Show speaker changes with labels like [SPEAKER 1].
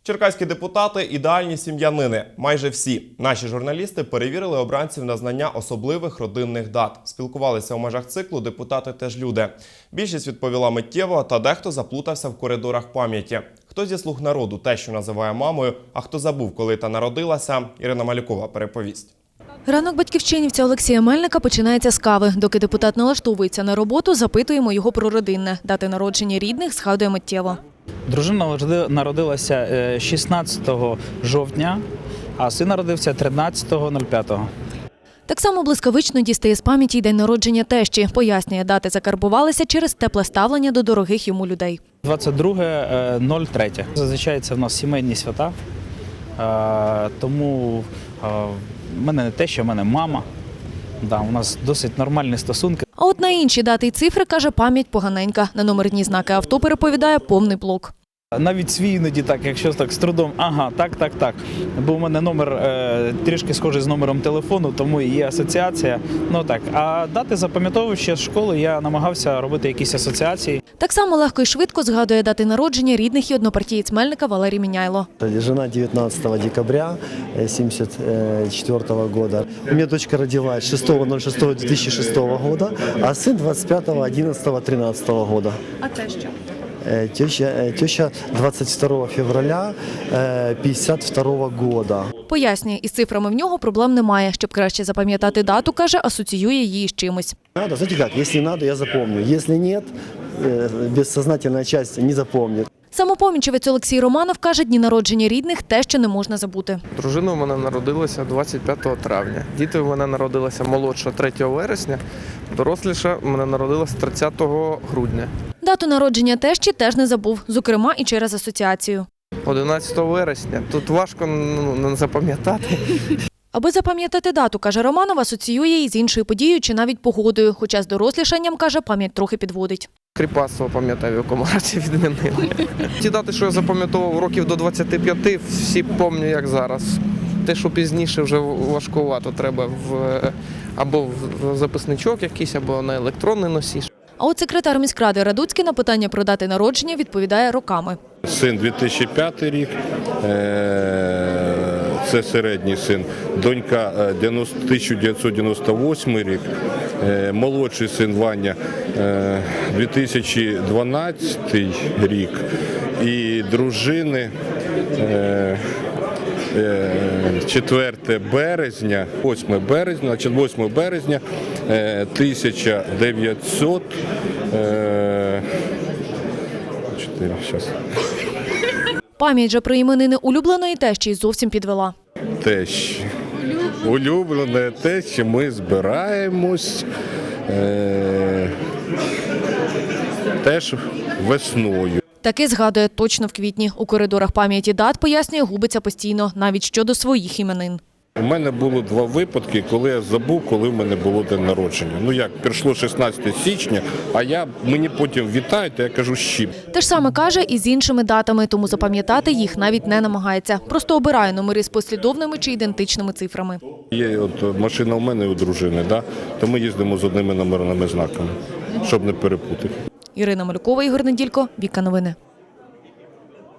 [SPEAKER 1] Черкаські депутати – ідеальні сім'янини. Майже всі. Наші журналісти перевірили обранців на знання особливих родинних дат. Спілкувалися у межах циклу «Депутати теж люди». Більшість відповіла миттєво, та дехто заплутався в коридорах пам'яті. Хто зі «Слуг народу» тещу називає мамою, а хто забув, коли та народилася, Ірина Малюкова переповість.
[SPEAKER 2] Ранок батьківщинівця Олексія Мельника починається з кави. Доки депутат налаштовується на роботу, запитуємо його про родинне. Дати народження рідних згадує миттєво.
[SPEAKER 3] Дружина народилася 16 жовтня, а син народився 13.05.
[SPEAKER 2] Так само блискавично дістає з пам'яті й день народження тещі. Пояснює, дати закарбувалися через тепле ставлення до дорогих йому людей.
[SPEAKER 3] 22.03. Зазвичай це в нас сімейні свята, тому в мене не теща, в мене мама. У нас досить нормальні стосунки.
[SPEAKER 2] А от на інші дати й цифри, каже, пам'ять поганенька. На номерні знаки авто, переповідає, повний блок.
[SPEAKER 3] Навіть свій іноді так, якщо так з трудом, так. Бо у мене номер трішки схожий з номером телефону, тому і є асоціація. А дати запам'ятовую ще з школи, я намагався робити якісь асоціації.
[SPEAKER 2] Так само легко і швидко згадує дати народження рідних і однопартієць Мельника Валерій Міняйло.
[SPEAKER 4] Жена 19 декабря 1974 года. У меня дочка родилась 6.06.2006 года, а сын 25.11.13 года.
[SPEAKER 2] А теща?
[SPEAKER 4] Теща 22 февраля 1952 года.
[SPEAKER 2] Пояснює, із цифрами в нього проблем немає. Щоб краще запам'ятати дату, каже, асоціює її з чимось.
[SPEAKER 4] Надо, знаете как, если надо, я запомню. Если нет, бессознательная часть не запомнит.
[SPEAKER 2] Самопомічевець Олексій Романов каже, дні народження рідних те, що не можна забути.
[SPEAKER 5] Дружина у мене народилася 25 травня. Діти у мене народилися молодша 3 вересня, доросліша у мене народилася 30 грудня.
[SPEAKER 2] Дату народження тещі теж не забув, зокрема і через асоціацію.
[SPEAKER 5] 11 вересня. Тут важко не запам'ятати.
[SPEAKER 2] Аби запам'ятати дату, каже Романов, асоціює її з іншою подією чи навіть погодою, хоча з дорослішанням, каже, пам'ять трохи підводить.
[SPEAKER 5] Кріпацтво, пам'ятаю, в якому році відмінили. Ті дати, що я запам'ятовував років до 25, всі пам'ятаю, як зараз. Те, що пізніше вже важкувато, треба або в записничок якийсь, або на електронний носій.
[SPEAKER 2] А от секретар міськради Радуцький на питання про дати народження відповідає роками.
[SPEAKER 6] Син 2005 рік, це середній син, донька 1998 рік, молодший син Ваня 2012 рік і дружини 4 березня, 8 березня 1900
[SPEAKER 2] Пам'ять же про іменини улюбленої тещі зовсім підвела.
[SPEAKER 6] Тещі. Улюблене тещі, ми збираємось теж весною.
[SPEAKER 2] Таки згадує точно в квітні. У коридорах пам'яті дат, пояснює, губиться постійно, навіть щодо своїх іменин.
[SPEAKER 6] У мене було 2 випадки, коли я забув, коли в мене було день народження. Прийшло 16 січня, а мені потім вітають, а я кажу, щіп.
[SPEAKER 2] Те ж саме каже і з іншими датами, тому запам'ятати їх навіть не намагається. Просто обирає номери з послідовними чи ідентичними цифрами.
[SPEAKER 6] Є машина у мене і у дружини, то ми їздимо з одними номерними знаками, щоб не перепутати.
[SPEAKER 2] Ірина Малюкова, Ігор Неділько, Віка Новини.